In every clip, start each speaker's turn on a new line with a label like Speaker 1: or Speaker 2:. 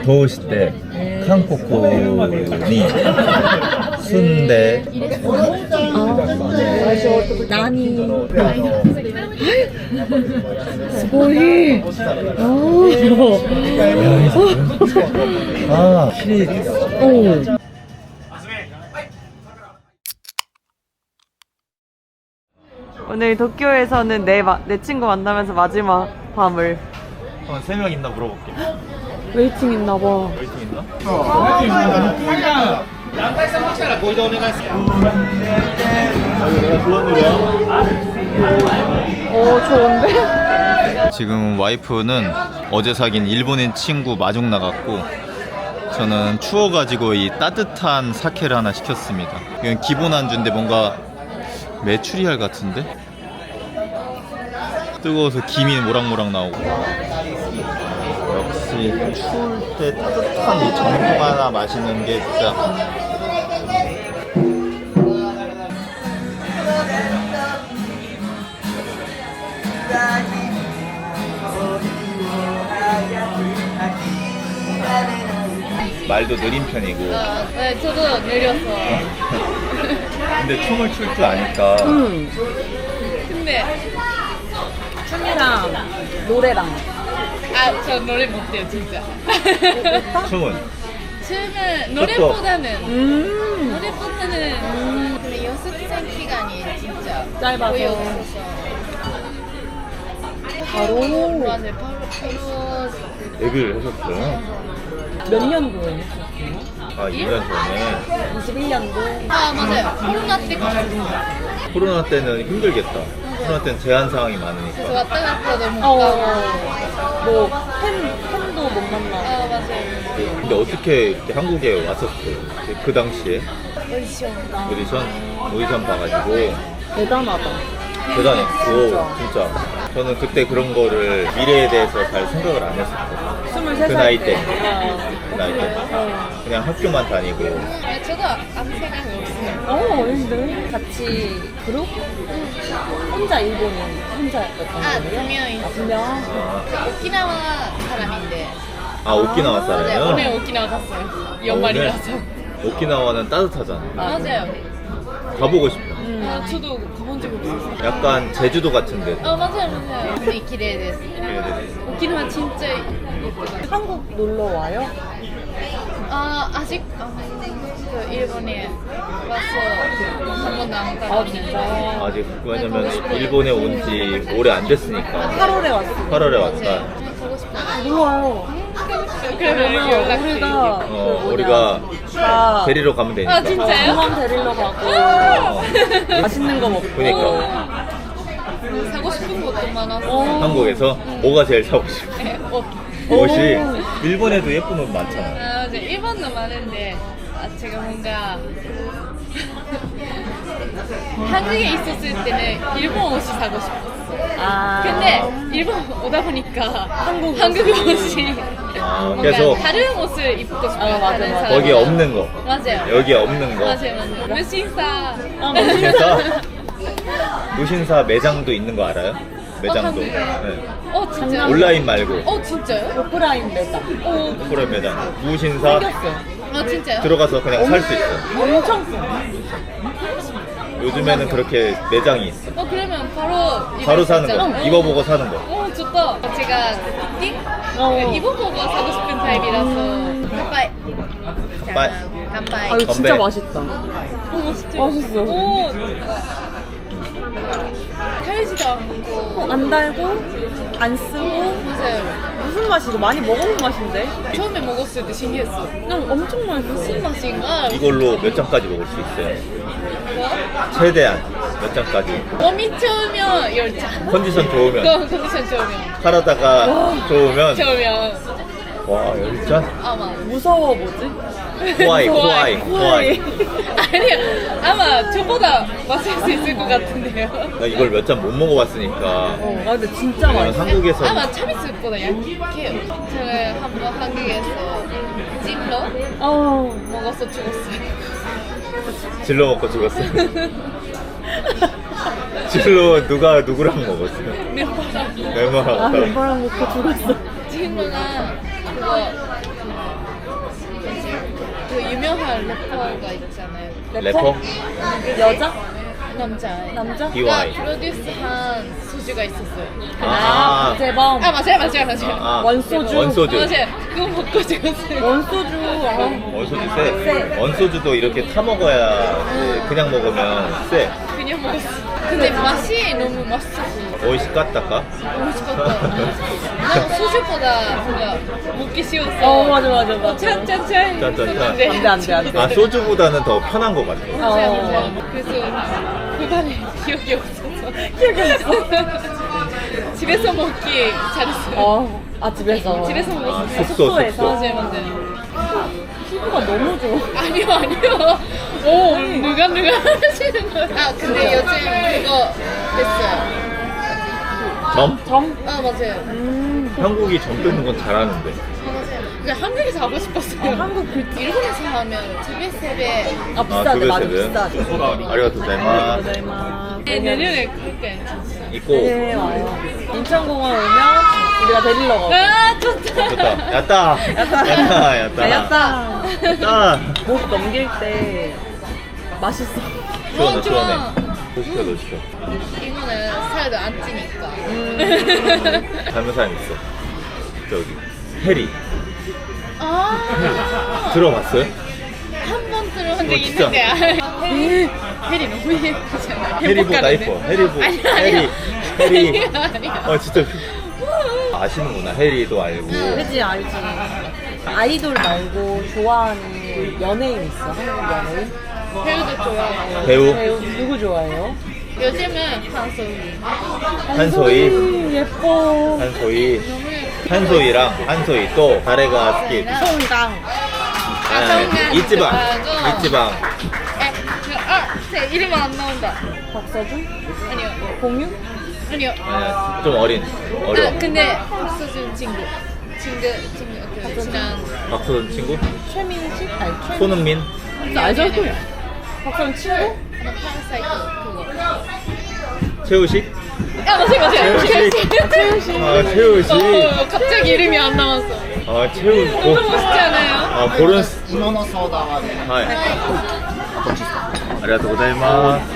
Speaker 1: 더우실 때 한국군이 순대
Speaker 2: 나니. 스고이.
Speaker 1: 아 시
Speaker 2: 오늘 도쿄에서는 내 친구 만나면서 마지막 밤을.
Speaker 1: 한 3명 있나 물어볼게.
Speaker 2: 웨이팅 있나봐.
Speaker 1: 웨이팅 있나?
Speaker 2: 좋은데?
Speaker 1: 지금 와이프는 어제 사귄 일본인 친구 마중 나갔고, 저는 추워가지고 이 따뜻한 사케를 하나 시켰습니다. 이건 기본 안주인데 뭔가 메추리알 같은데? 뜨거워서 김이 모락모락 나오고. 역시 추울 때 따뜻한 이 정통 하나 마시는 게 진짜 말도 느린 편이고.
Speaker 3: 네, 저도 느렸어요.
Speaker 1: 근데 춤을 출 줄 아니까
Speaker 3: 근데
Speaker 2: 춤이랑 노래랑.
Speaker 3: 저 노래 못해요 진짜.
Speaker 1: 춤은
Speaker 3: 춤은 노래보다는
Speaker 4: 근데 연습생 기간이 진짜
Speaker 2: 짧아서.
Speaker 4: 거의 없어서
Speaker 2: 바로
Speaker 4: 맞아요. 바로
Speaker 1: 데뷔를 하셨어요?
Speaker 2: 몇 년도에 했었어요?
Speaker 1: 아 2년 전에.
Speaker 2: 21년도.
Speaker 4: 맞아요. 코로나 때 갔어요.
Speaker 1: 코로나 때는 힘들겠다. 코로나 때는 제한 사항이 많으니까.
Speaker 4: 그래서 왔다 갔다 너무
Speaker 2: 뭐 팬도 못 만나.
Speaker 4: 맞아요.
Speaker 1: 근데 어떻게 이렇게 한국에 왔었어요? 그 당시에
Speaker 4: 오디션.
Speaker 1: 오디션 봐가지고
Speaker 2: 대단하다.
Speaker 1: 대단했고 진짜 저는 그때 그런 거를 미래에 대해서 잘 생각을 안 했었거든요.
Speaker 2: 23살
Speaker 1: 그 나이 때.
Speaker 2: 어.
Speaker 1: 그 나이 때 그냥 학교만 다니고.
Speaker 4: 저도 아무 생각이 없어요.
Speaker 2: 근데 같이 그룹? 혼자 일본인 혼자였던
Speaker 4: 두
Speaker 2: 거예요?
Speaker 4: 명이
Speaker 2: 두 명?
Speaker 4: 오키나와 사람인데
Speaker 1: 아 오키나와
Speaker 4: 네,
Speaker 1: 살아요?
Speaker 4: 오늘 오키나와 갔어요. 연말이라서.
Speaker 1: 오키나와는 따뜻하잖아.
Speaker 4: 맞아요.
Speaker 1: 가보고 싶어.
Speaker 3: 저도 가본 적이 없어요.
Speaker 1: 약간 제주도 같은데.
Speaker 4: 맞아요. 근데 기대됐어.
Speaker 3: 오키나와 진짜 예뻐요.
Speaker 2: 한국 놀러 와요?
Speaker 4: 아직 그 일본에 와서 한 번도 안 가봤는데.
Speaker 1: 아직 왜냐면 일본에 온 지 오래 안 됐으니까.
Speaker 2: 8월에 왔어.
Speaker 1: 8월에 왔다.
Speaker 4: 가고 싶어요.
Speaker 2: 놀러 와요.
Speaker 3: 그러면
Speaker 2: 우리가
Speaker 1: 우리가
Speaker 2: 다
Speaker 1: 데리러 가면 되니까.
Speaker 3: 진짜요?
Speaker 2: 공원 데리러 가고 맛있는 거 먹고.
Speaker 1: 그러니까
Speaker 4: 사고 싶은 것도 많아서.
Speaker 1: 한국에서 뭐가 제일 사고 싶어? 옷이 일본에도 예쁜 옷 많잖아.
Speaker 4: 맞아요. 일본도 많은데 제가 뭔가 한국에 있었을 때는 일본 옷이 사고 싶었어. 근데 일본 오다 보니까 한국 옷이 뭔가
Speaker 1: 계속
Speaker 4: 다른 옷을 입고 싶어요.
Speaker 2: 맞아,
Speaker 4: 다른
Speaker 2: 맞아.
Speaker 4: 사람.
Speaker 1: 거기에 없는 거.
Speaker 4: 맞아요.
Speaker 1: 여기에 없는 거.
Speaker 4: 맞아요. 무신사.
Speaker 1: 무신사? 무신사 매장도 있는 거 알아요? 매장도.
Speaker 4: 한국에?
Speaker 1: 네.
Speaker 4: 진짜.
Speaker 1: 온라인 말고
Speaker 4: 진짜요?
Speaker 2: 오프라인 매장.
Speaker 1: 오프라인 매장. 무신사
Speaker 4: 진짜요?
Speaker 1: 들어가서 그냥 살 수 있어.
Speaker 2: 엄청 싸.
Speaker 1: 요즘에는 그렇게 매장이 있어.
Speaker 4: 그러면 바로
Speaker 1: 바로 사는
Speaker 4: 있잖아.
Speaker 1: 거. 입어보고 사는 거.
Speaker 4: 좋다. 제가 띵 입어보고 사고 싶은 타입이라서. 간파이.
Speaker 1: 간파이.
Speaker 4: 간파이.
Speaker 2: 이거 진짜
Speaker 1: 건배.
Speaker 2: 맛있다. 맛있어.
Speaker 4: 달지도 않고.
Speaker 2: 안 달고 안 쓰고
Speaker 4: 맞아요.
Speaker 2: 무슨 맛이고 많이 먹어본 맛인데?
Speaker 4: 처음에 먹었을 때 신기했어.
Speaker 2: 엄청 맛있어.
Speaker 4: 무슨 맛인가?
Speaker 1: 이걸로 몇 장까지 먹을 수 있어요?
Speaker 4: 뭐?
Speaker 1: 최대한 몇 장까지.
Speaker 4: 몸이 좋으면 10잔.
Speaker 1: 컨디션 좋으면.
Speaker 4: 컨디션 좋으면.
Speaker 1: 카라다가 좋으면.
Speaker 4: 좋으면.
Speaker 1: 와, 10잔?
Speaker 4: 아마.
Speaker 2: 무서워 뭐지?
Speaker 1: 코아이.
Speaker 4: 아니요. 아마 저보다 마실 수 있을 것 같은데요.
Speaker 1: 나 이걸 몇 잔 못 먹어봤으니까.
Speaker 2: 근데 진짜
Speaker 1: 왜냐면
Speaker 2: 맛있어.
Speaker 1: 한국에서
Speaker 4: 아마 참이슬보다 약해요. 저는 한번 한국에서 찜로 먹어서 죽었어요.
Speaker 1: 질러 먹고 죽었어요. 질러 누구랑 먹었어요?
Speaker 4: 멤버랑.
Speaker 1: 멤버랑.
Speaker 2: 멤버랑 먹고 죽었어.
Speaker 4: 찜로가 그거 유명한 래퍼가 있잖아요.
Speaker 1: 래퍼?
Speaker 2: 여자?
Speaker 4: 남자.
Speaker 2: 남자?
Speaker 1: BY.
Speaker 4: 프로듀스한 소주가 있었어요.
Speaker 2: 아, 재범.
Speaker 4: 아 맞아요.
Speaker 1: 아,
Speaker 2: 원소주.
Speaker 1: 원소주.
Speaker 4: 맞아요. 그거 먹고 죽었어요.
Speaker 2: 원소주.
Speaker 1: 원소주 세. 원소주도 이렇게 타 먹어야 그냥 먹으면 세.
Speaker 4: 그냥 먹었어. 근데 맛이 너무 맛있었어.
Speaker 1: 오이시까딱까?
Speaker 4: 맛있었다. 난 소주보다 뭔가 먹기 쉬웠어.
Speaker 2: 맞아.
Speaker 4: 짠짠짠.
Speaker 1: 짠짠짠.
Speaker 2: 안 돼.
Speaker 1: 아, 소주보다는 더 편한 것 같아.
Speaker 4: 맞아요. 그래서 그날에 기억이 없어서. 집에서 먹기 잘했어요.
Speaker 2: 집에서.
Speaker 4: 집에서 먹었어요.
Speaker 1: 숙소.
Speaker 4: 맞아요.
Speaker 2: 피부가 너무 좋아.
Speaker 4: 아니요. 오, 누가 하시는 거야? 아, 근데 요즘 그거 됐어요.
Speaker 1: 점?
Speaker 4: 아, 맞아요.
Speaker 1: 한국이 점 뜨는 건 잘하는데.
Speaker 4: 맞아요. 근데 한국에서 하고 싶었어요.
Speaker 2: 한국
Speaker 4: 일본에서 하면 집에
Speaker 2: 비싸대. 맞아,
Speaker 1: 세대.
Speaker 2: 비싸대.
Speaker 1: 아리가토 고자이마스.
Speaker 4: 내년에 그럴게 진짜.
Speaker 1: 있고.
Speaker 2: 네, 와요. 인천공항 오면 우리가 데리러 가고.
Speaker 4: 아, 좋다.
Speaker 1: 좋다. 야따. 야따.
Speaker 2: 목 넘길 때 맛있어.
Speaker 1: 시원해.
Speaker 4: 좋아.
Speaker 1: 너 시켜.
Speaker 4: 이거는 살도 안 찌니까.
Speaker 1: 닮은 사람 있어. 저기 해리.
Speaker 4: 아,
Speaker 1: 들어봤어요?
Speaker 4: 한 번 들어본 적
Speaker 1: 진짜?
Speaker 4: 있는데. 해리 너무 예쁘잖아.
Speaker 1: 해리보다 예뻐.
Speaker 4: 아니야.
Speaker 1: 해리.
Speaker 4: 아니야.
Speaker 1: 진짜 아시는구나. 해리도 알고.
Speaker 2: 그지 알지. 아이돌 말고 좋아하는 연예인 있어? 한국 연예인?
Speaker 4: 배우도 좋아하고.
Speaker 1: 배우
Speaker 2: 누구 좋아해요?
Speaker 4: 요즘은 한소희.
Speaker 1: 한소희.
Speaker 2: 예뻐.
Speaker 1: 한소희. 한소희 또 다레가 스키.
Speaker 2: 송강.
Speaker 1: 이지방.
Speaker 4: 제 이름 안 나온다.
Speaker 2: 박서준?
Speaker 4: 아니요.
Speaker 2: 공유?
Speaker 4: 아니요.
Speaker 1: 좀 어려.
Speaker 4: 근데 박서준 친구. 그 친한.
Speaker 1: 박서준 친구?
Speaker 2: 최민식? 아니 최.
Speaker 1: 손흥민?
Speaker 2: 알죠? 박서준 친구?
Speaker 4: 파라사이트 그거.
Speaker 1: 최우식?
Speaker 4: 맞아요.
Speaker 1: 최우식.
Speaker 4: 갑자기 이름이 안 나왔어.
Speaker 1: 최우식.
Speaker 4: 너무 멋있지 않아요?
Speaker 1: 고른. 하이. 아리가토 고자이마스.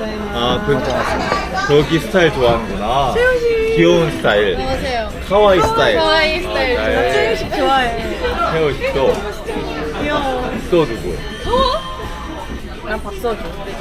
Speaker 1: 저기 스타일 좋아하는구나. 귀여운 스타일.
Speaker 4: 맞아요.
Speaker 1: 카와이 스타일.
Speaker 4: 카와이 스타일.
Speaker 2: 최민식 좋아해.
Speaker 1: 최우식도.
Speaker 2: 귀여워.
Speaker 1: 또 누구?
Speaker 2: 난 박서준.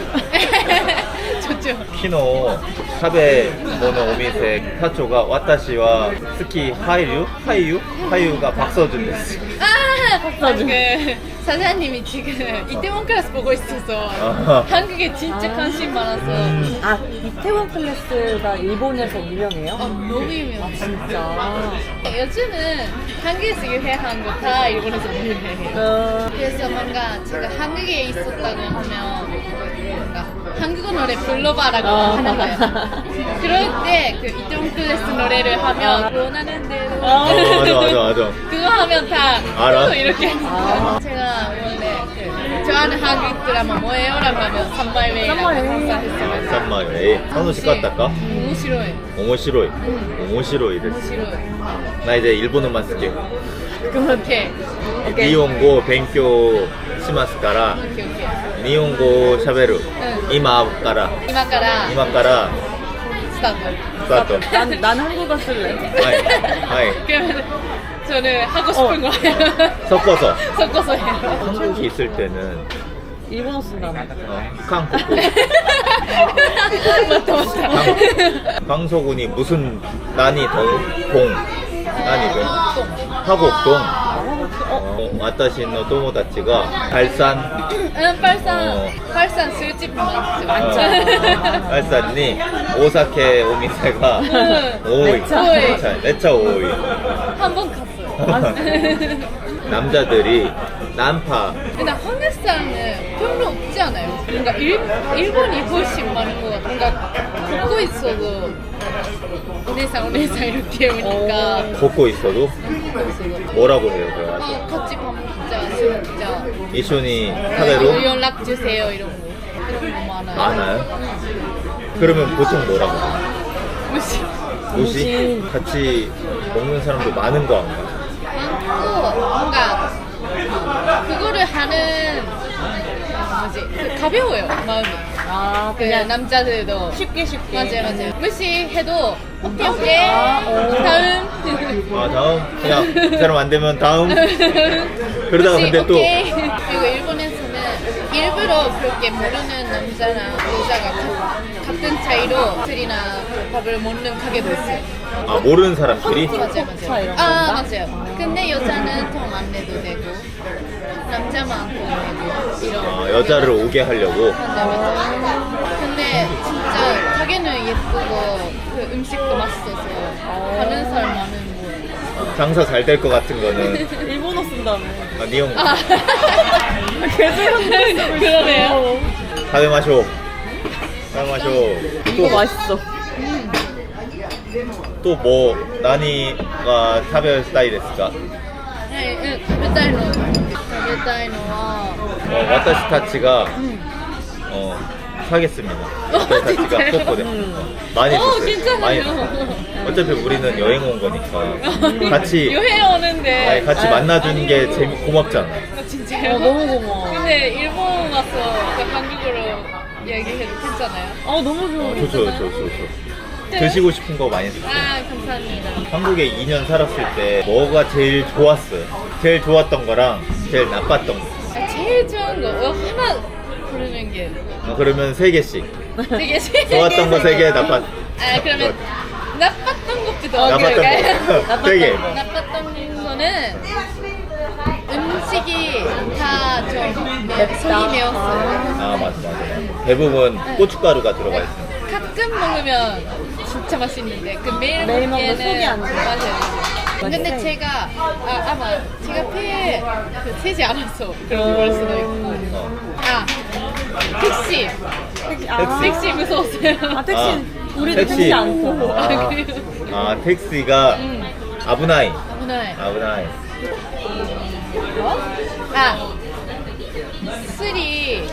Speaker 4: 좋죠.
Speaker 1: 키노 카베 모노 오미세 타초가 와타시와 스키 하이유가 박서준 됐어.
Speaker 2: 박서준.
Speaker 4: 그 사장님이 지금 이태원 클래스 보고 있어서
Speaker 1: 아하.
Speaker 4: 한국에 진짜 관심 많아서
Speaker 2: 이태원 클래스가 일본에서 유명해요?
Speaker 4: 너무 유명해요.
Speaker 2: 진짜.
Speaker 4: 요즘은 한국에서 유행한 거 다 일본에서 유행해요. 그래서 뭔가 제가 한국에 있었다고 하면 뭔가 한국어 노래 불러봐라고 하는 거예요. 그럴 때 그 이태원 클래스 노래를 하면 원하는 대로
Speaker 1: 맞아.
Speaker 4: 그거 하면 다
Speaker 1: 알아?
Speaker 4: 이렇게 제가 원래 그 좋아하는 한국 드라마 뭐예요라고 하면 산마이웨이라고 항상 했어요.
Speaker 1: 쌈마이 한우식 같다까?
Speaker 4: 오모시로이.
Speaker 1: 오모시로이 됐어.
Speaker 4: 오모시로이.
Speaker 1: 나 이제 일본어만 쓸게.
Speaker 4: 오케이.
Speaker 1: 니혼고 벤교 시마스から
Speaker 4: 오케이.
Speaker 1: 니혼고 샤베루.
Speaker 4: 응.
Speaker 1: 이마까라.
Speaker 4: 이마카라 스타트.
Speaker 1: 스타트.
Speaker 2: 난 한국어 쓸래.
Speaker 1: 하이.
Speaker 4: 그러면 저는 하고 싶은 거예요.
Speaker 1: 섞어서
Speaker 4: 해요.
Speaker 1: 한국에 있을 때는
Speaker 2: 일본어 쓴다며.
Speaker 1: 한국
Speaker 4: 맞다.
Speaker 1: 방소군이 무슨 난이동 하곡동 와타시노 도모다치가 발산
Speaker 4: 발산 술집 많죠.
Speaker 1: 발산니 오사케 오미세가 오이 내차 오이
Speaker 4: 한번 갔어요.
Speaker 1: 남자들이 난파
Speaker 4: 근데 한국 사람은 별로 없지 않아요? 뭔가 일본이 훨씬 많은 것 같아. 뭔가 걷고 있어도 오네상 이렇게 오니까
Speaker 1: 걷고 있어도 뭐라고 해요?
Speaker 4: 같이 밥 먹자, 술 먹자,
Speaker 1: 이쇼니 타베로
Speaker 4: 연락 주세요 이런 거 많아요.
Speaker 1: 많아요? 그러면 보통 뭐라고 해요? 무시? 같이 먹는 사람도 많은 거 아닌가?
Speaker 4: 많고 뭔가 그거를 하는 뭐지? 그 가벼워요 마음이.
Speaker 2: 아,
Speaker 4: 그
Speaker 2: 그냥
Speaker 4: 남자들도
Speaker 2: 쉽게.
Speaker 4: 맞아요. 무시해도 오케이 오케이
Speaker 2: 아, 오.
Speaker 4: 다음.
Speaker 1: 아 다음 그냥 그 사람 안 되면 다음. 그러다가
Speaker 4: 무시,
Speaker 1: 근데 또
Speaker 4: 오케이. 그리고 일본에서는 일부러 그렇게 모르는 남자나 여자가 같은 차이로 술이나 밥을 먹는 가게도 있어요.
Speaker 1: 아, 모르는 사람끼리
Speaker 4: 맞아요,
Speaker 2: 차
Speaker 4: 맞아요.
Speaker 2: 이런
Speaker 4: 아,
Speaker 2: 건가?
Speaker 4: 맞아요. 근데 여자는 통 안 내도 되고, 남자만 통 내고, 이런.
Speaker 1: 아, 여자를 오게 하려고.
Speaker 4: 맞아요. 근데 진짜 가게는 예쁘고, 그 음식도 맛있어서, 가는 사람 많은 곳.
Speaker 1: 장사 잘 될 것 같은 거는
Speaker 2: 일본어 쓴다며.
Speaker 1: 아, 니형
Speaker 4: 아,
Speaker 2: 계속
Speaker 4: 그러네요.
Speaker 1: 다음에 마셔. 다음에 마셔.
Speaker 2: 이거 맛있어.
Speaker 1: 또 뭐 나니가 타베 스타일ですか?
Speaker 4: はい、食べたいのは、
Speaker 1: 와타시 타치가 사겠습니다. 와타시 타치가
Speaker 4: 진짜요?
Speaker 1: 뽀뽀대. 많이 줬어요.
Speaker 4: 괜찮아요.
Speaker 1: 많이 줬어요. 어차피 우리는 여행 온 거니까 같이
Speaker 4: 여행 오는데.
Speaker 1: 아니, 같이 만나주는 게 고맙잖아.
Speaker 4: 진짜요?
Speaker 2: 너무 고마워.
Speaker 4: 근데 일본 와서 그 한국어로 얘기해도 괜찮아요?
Speaker 2: 너무 좋아.
Speaker 1: 좋죠. 드시고 싶은 거 많이 샀어요.
Speaker 4: 아, 감사합니다.
Speaker 1: 한국에 2년 살았을 때 뭐가 제일 좋았어요? 제일 좋았던 거랑 제일 나빴던 거.
Speaker 4: 아, 제일 좋은 거 하나 고르는 게
Speaker 1: 그러면 3개씩.
Speaker 4: 되게
Speaker 1: 좋았던 거 3개, 나빴.
Speaker 4: 아, 그러면 나빴던 것부터
Speaker 1: 나빴던
Speaker 4: 어떨까요?
Speaker 1: 거 3개.
Speaker 4: 나빴던 거는 음식이 다 좀
Speaker 2: 맵다.
Speaker 4: 손이 매웠어요.
Speaker 1: 아 맞아. 대부분 고춧가루가 들어가 있어요.
Speaker 4: 가끔 먹으면 진짜 맛있는데 그 매일
Speaker 2: 매일 먹으면
Speaker 4: 먹기에는
Speaker 2: 속이 안 좋아.
Speaker 4: 맞아요. 근데
Speaker 2: 맛있어요.
Speaker 4: 제가 아마 제가 폐에 세지 않아서 그런 걸 수도 있고. 아, 택시 택시 무서웠어요.
Speaker 2: 택시 우리도 택시 안 타.
Speaker 4: 아, 그래요?
Speaker 1: 택시가 아부나이.
Speaker 4: 아브나이. 아, 술이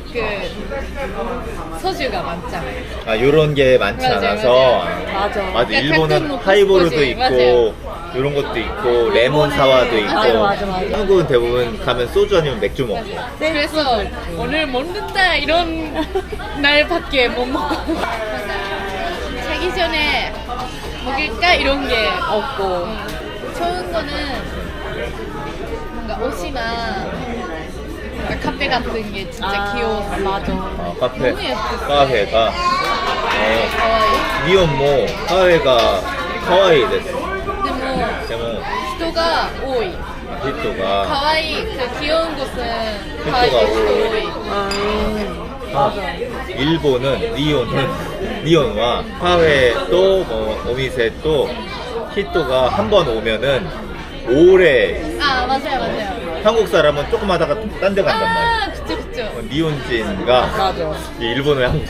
Speaker 4: 그 소주가 많잖아요.
Speaker 1: 아 요런 게 많지
Speaker 4: 맞아요,
Speaker 1: 않아서.
Speaker 2: 맞아.
Speaker 1: 맞아.
Speaker 4: 가끔
Speaker 1: 일본은
Speaker 4: 뭐
Speaker 1: 하이보르도
Speaker 4: 코스코지.
Speaker 1: 있고
Speaker 4: 맞아요.
Speaker 1: 이런 것도 있고 레몬 사와도 있고.
Speaker 2: 맞아.
Speaker 1: 한국은 대부분 가면 소주 아니면 맥주 먹어.
Speaker 4: 그래서 오늘 먹는다 이런 날밖에 못 먹고 자기 전에 먹을까 이런 게 없고 좋은 거는 뭔가 옷이나 뭔가 카페 같은 게 진짜 귀여웠어요.
Speaker 2: 맞아.
Speaker 1: 카페.
Speaker 4: 너무 예뻤어요.
Speaker 1: 카페가
Speaker 4: 가와이.
Speaker 1: 니온 뭐 카페가 카와이です.
Speaker 4: でも
Speaker 1: でも
Speaker 4: 人が多い
Speaker 1: 히토가
Speaker 4: 가와이 그 귀여운 곳은
Speaker 1: 히토가
Speaker 4: 가와이
Speaker 1: 오이.
Speaker 4: 오이.
Speaker 1: 일본은 니온와 카페 또 오미세 또 히토가 한 번 오면은 오래.
Speaker 4: 아, 맞아요.
Speaker 1: 한국 사람은 조금 하다가 딴 데 간단 말이야.
Speaker 4: 아, 그쵸.
Speaker 1: 니온진가
Speaker 2: 맞아.
Speaker 1: 이 일본어의 한국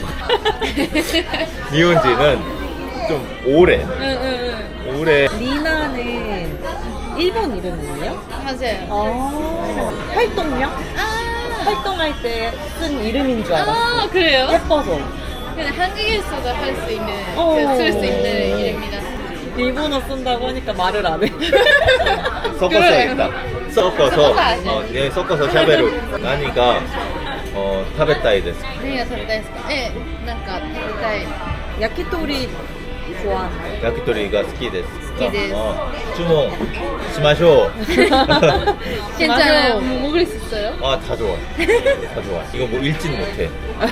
Speaker 1: 니온진은 좀 오래
Speaker 4: 응.
Speaker 1: 오래.
Speaker 2: 리나는 일본 이름이에요?
Speaker 4: 맞아요.
Speaker 2: 활동명?
Speaker 4: 아,
Speaker 2: 활동할 때 쓴 이름인 줄 알았어.
Speaker 4: 아, 그래요?
Speaker 2: 예뻐서.
Speaker 4: 그냥 한국에서도 할 수 있는,
Speaker 2: 어.
Speaker 4: 쓸 수 있는 이름이라.
Speaker 2: 일본어 쓴다고 하니까 말을 안 해.
Speaker 1: 섞어서
Speaker 4: 그래요.
Speaker 1: 있다. 섞어서
Speaker 4: 섞어서 하죠.
Speaker 1: 네, 섞어서 샤베루. 나니가 타베타이です.
Speaker 4: 何が食べたいですかなんか食べたい。
Speaker 2: 야키토리 좋아.
Speaker 1: 야키토리가 好きです.
Speaker 4: 好きです。
Speaker 1: 주문しましょう.
Speaker 4: 괜찮아요. 뭐 먹을 수 있어요?
Speaker 1: 아, 다 좋아. 다 좋아. 이거 뭐 읽지는 못해.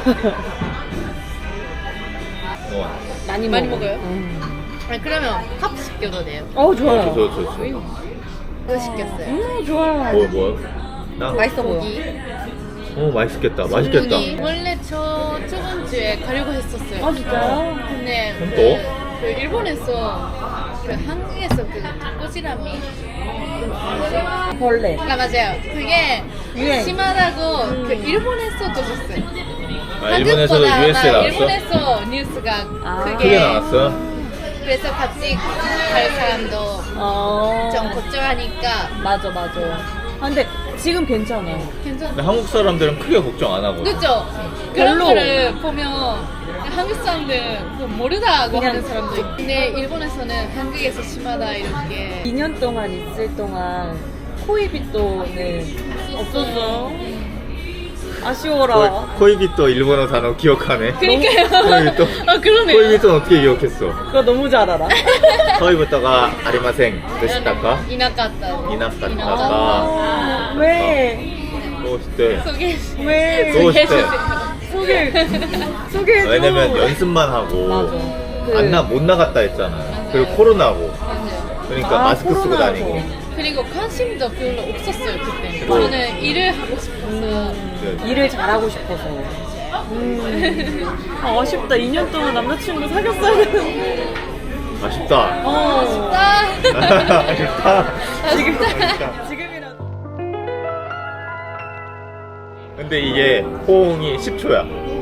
Speaker 2: 많이
Speaker 4: 먹어요? 아, 그러면 컵 시켜도 돼요.
Speaker 2: 좋아요.
Speaker 1: 좋죠.
Speaker 4: 그거 시켰어요.
Speaker 2: 좋아요.
Speaker 1: 뭐요?
Speaker 2: 맛있어 보여.
Speaker 4: 고기.
Speaker 1: 맛있겠다. 맛있겠다.
Speaker 4: 소문이 원래 저번 주에 가려고 했었어요.
Speaker 2: 진짜요?
Speaker 4: 근데
Speaker 1: 또?
Speaker 4: 그 일본에서 그 한국에서 그 꼬지라미
Speaker 2: 벌레.
Speaker 4: 아 맞아요. 그게
Speaker 2: 유행.
Speaker 4: 심하다고 그 일본에서 터졌어요.
Speaker 1: 아, 일본에서도
Speaker 4: 한국보다
Speaker 1: US에 나왔어?
Speaker 4: 일본에서 뉴스가
Speaker 1: 크게 나왔어?
Speaker 4: 그래서 같이 갈 사람도 좀 걱정하니까
Speaker 2: 맞아. 근데 지금 괜찮아.
Speaker 4: 괜찮아.
Speaker 1: 근데 한국 사람들은 크게 걱정 안 하거든.
Speaker 4: 그죠? 그런
Speaker 2: 별로.
Speaker 4: 거를 보면 한국 사람들은 뭐 모르다고
Speaker 2: 그냥
Speaker 4: 하는 사람도 있고 근데 일본에서는 한국에서 심하다 이렇게
Speaker 2: 2년 동안 있을 동안 코이비또는 없었어. 아쉬워라.
Speaker 1: 코이비또 일본어 단어 기억하네.
Speaker 3: 그러니까요.
Speaker 1: 코이비또.
Speaker 3: 아, 그러네요.
Speaker 1: 코이비또는 어떻게 기억했어?
Speaker 2: 그거 너무 잘 알아.
Speaker 1: 코이비또가 아리마생 되시다까?
Speaker 4: いなかったです。
Speaker 1: いなかったか。
Speaker 2: 아, 왜?
Speaker 1: どうして
Speaker 4: 소개.
Speaker 2: 왜?
Speaker 1: どうして
Speaker 2: 소개해줘.
Speaker 1: 왜냐면 연습만 하고
Speaker 2: 맞아.
Speaker 1: 못 나갔다 했잖아요. 그리고 코로나고. 그러니까
Speaker 2: 아,
Speaker 1: 마스크 쓰고
Speaker 2: 코로나고.
Speaker 1: 다니고.
Speaker 4: 그리고 관심도 별로 없었어요 그때.
Speaker 1: 뭐.
Speaker 4: 저는 일을 하고 싶어서.
Speaker 2: 일을 잘하고 싶어서. 아, 아쉽다. 2년 동안 남자친구 사귀었어야 되는데.
Speaker 1: 아쉽다.
Speaker 2: 어.
Speaker 1: 아쉽다.
Speaker 2: 지금이라도.
Speaker 1: 근데 이게 호응이 10초야.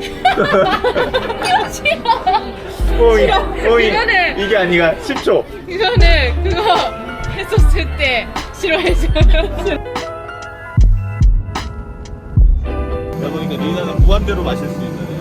Speaker 1: 호응이
Speaker 3: 이거는-
Speaker 1: 이게 아니라 10초.
Speaker 3: 이거는 그거 했었을 때 싫어해줘요.
Speaker 1: 야 보니까 리나는 무한대로 마실 수 있는